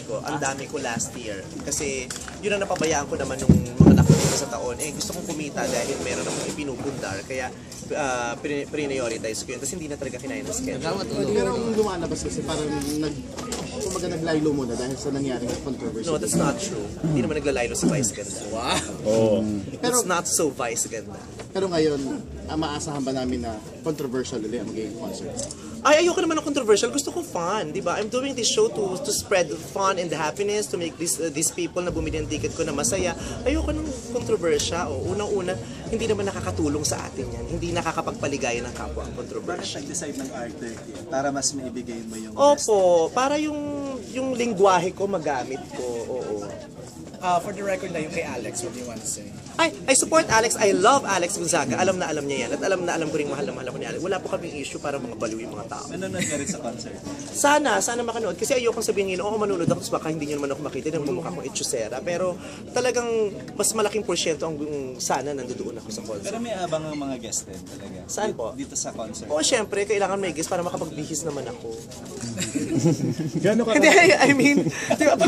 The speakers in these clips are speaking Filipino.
concerts ko, ang dami ko last year. Kasi yun ang napabayaan ko naman nung mga nakuha sa taon. Eh, gusto kong kumita dahil meron akong ipinupundar. Kaya prioritize ko yun. Tapos hindi na talaga kinaya ng schedule. Pero ang lumalabas kasi parang naglaylo muna dahil sa nangyaring controversy. No, that's not true. Hindi naman naglalaylo si Vice Ganda. Wow! It's not so Vice Ganda. Pero ngayon, maasahan ba namin na controversial ulit ang magiging concert? Ay, ayoko naman ng controversial. Gusto ko fun, di ba? I'm doing this show to spread fun and happiness, to make these people na bumili ng ticket ko na masaya. Ayoko ng controversial. Unang-una, hindi naman nakakatulong sa atin yan. Hindi nakakapagpaligaya ng kapwa ang controversial. Bakit nag-decide ng R30 para mas maibigay mo yung Opo, para yung lingwahe ko magamit ko. Oo. For the record na yung kay Alex, what do you want to say? I support Alex. I love Alex Gonzaga. Alam na alam niya yan. At alam na alam ko rin mahal na mahal ako ni Alex. Wala po kaming issue para mga baliw yung mga tao. Nanonood ka rin sa concert? Sana makanood. Kasi ayokong sabihin nila, manonood ako, baka hindi nyo naman ako makita ng mukha kong etchusera. Pero talagang mas malaking porsyento ang sana nandoon ako sa concert. Pero may abang ang mga guest din talaga. Saan po? Dito sa concert. Oo, syempre, kailangan may guest para makapagbihis naman ako. Gano'n ka? Hindi, I mean, di ba?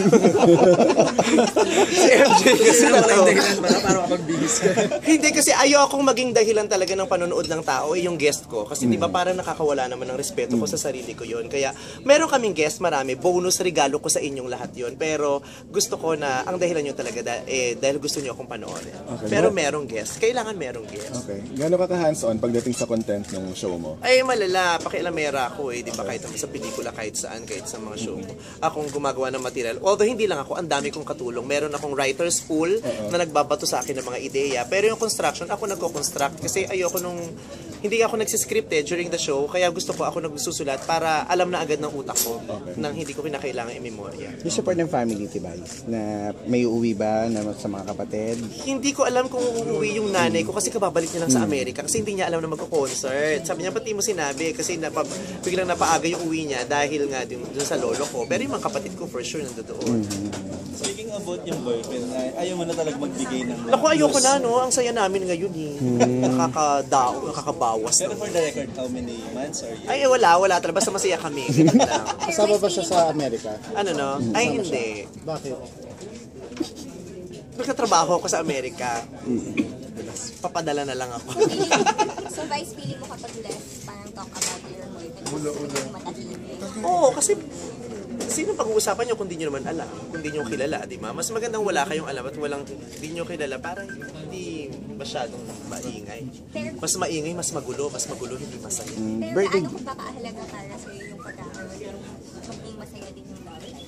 Si MJ kasi para makapagbihis ka. Hindi kasi ayokong maging dahilan talaga ng panonood ng tao yung guest ko. Kasi di ba parang nakakawala naman ng respeto ko sa sarili ko yun. Kaya meron kaming guest, marami. Bonus regalo ko sa inyong lahat yun. Pero gusto ko na ang dahilan nyo talaga dahil gusto nyo akong panoorin. Okay. Pero merong guest. Kailangan merong guest. Okay. Gano'n ka hands-on pagdating sa content ng show mo? Ay, malala. Pakialamera ako eh. Di ba? Kahit sa pelikula, kahit saan, kahit sa mga show ko. Akong gumagawa ng material. Although hindi lang ako, ang dami kong katulong. Meron akong writer's pool na nagbabato sa akin ng mga ideya. Pero yung construction, ako nagko-construct kasi ayoko hindi ako nagsiscript during the show, kaya gusto ko ako nagsusulat para alam na agad ng utak ko nang hindi ko kinakailangan i-memorya. Yung support ng family, Tibais, na may uuwi ba na sa mga kapatid? Hindi ko alam kung uuwi yung nanay ko kasi kababalik niya lang sa Amerika kasi hindi niya alam na magko-concert. Sabi niya, pati mo sinabi kasi biglang napaaga yung uwi niya dahil nga dun sa lolo ko. Pero yung mga kapatid ko for sure nandoon. Speaking about yung boyfriend, ayaw mo na talaga magbigay ng Naku, ayoko na, no? Ang saya namin ngayon eh. Nakakabawas. Pero for the record, how many months or years? Ay, wala talaga. Basta masaya kami. Ganun lang. Kasama ba siya sa Amerika? Ano no? Ay, hindi. Bakit? Nagtatrabaho ako sa Amerika. Papadala na lang ako. So, Vice, feeling mo kapag left, parang talk about your boyfriend, matahimik? Oo, kasi sino pag-uusapan nyo kung di nyo naman alam, kung di nyo kilala, di ba? Mas magandang wala kayong alam at di nyo kilala, parang hindi masyadong maingay. Mas maingay, mas magulo, hindi masaya. Pero ano kung kakahalaga para sa'yo yung pagkakaroon yung maging masaya din yung love life?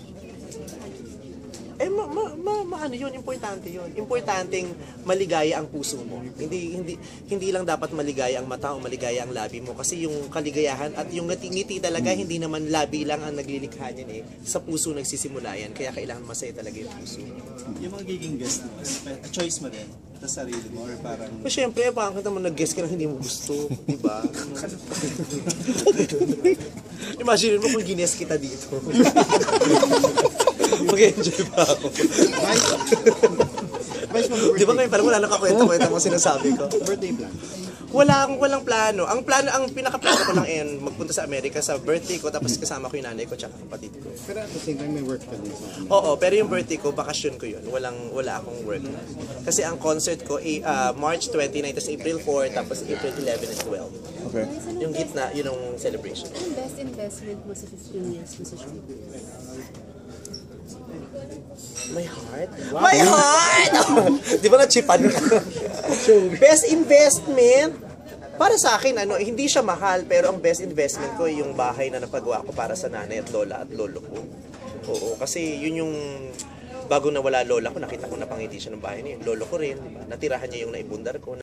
Ano yun, importante yun. Importanteng maligaya ang puso mo. Hindi lang dapat maligaya ang mata o maligaya ang labi mo kasi yung kaligayahan at yung ngiti talaga hindi naman labi lang ang naglilikha niyan eh. Sa puso nagsisimula yan. Kaya kailangan masaya talaga yung puso. Yung mga giging guest mo, choice mo din sa sarili mo or parang... Siyempre, bakit naman nag-guess ka na hindi mo gusto, di ba? Imagine mo kung gines kita dito. Mag-enjoy pa ako. Di ba ngayon parang wala nang kakwenta-kwenta mo sinasabi ko? Birthday plan? Walang plano. Ang pinaka-plano ko lang magpunta sa Amerika sa birthday ko tapos kasama ko yung nanay ko tsaka kapatid ko. Pero at the same time, may work ka din sa... Oo, pero yung birthday ko, bakasyon ko yun. Wala akong work. Kasi ang concert ko, March 29, tapos April 4, tapos April 11 and 12. Okay. Yung gitna, yun ang celebration. Ang best investment mo sa 15 years mo sa showbiz? My heart? Wow. My heart! Di ba na-chipan ka? Best investment? Para sa akin, hindi siya mahal, pero ang best investment ko yung bahay na napagawa ko para sa nanay at lola at lolo ko. Oo, kasi yun yung bago nawala lola ko, nakita ko na pangiti siya ng bahay niya. Lolo ko rin, diba? Natirahan niya yung naibundar ko.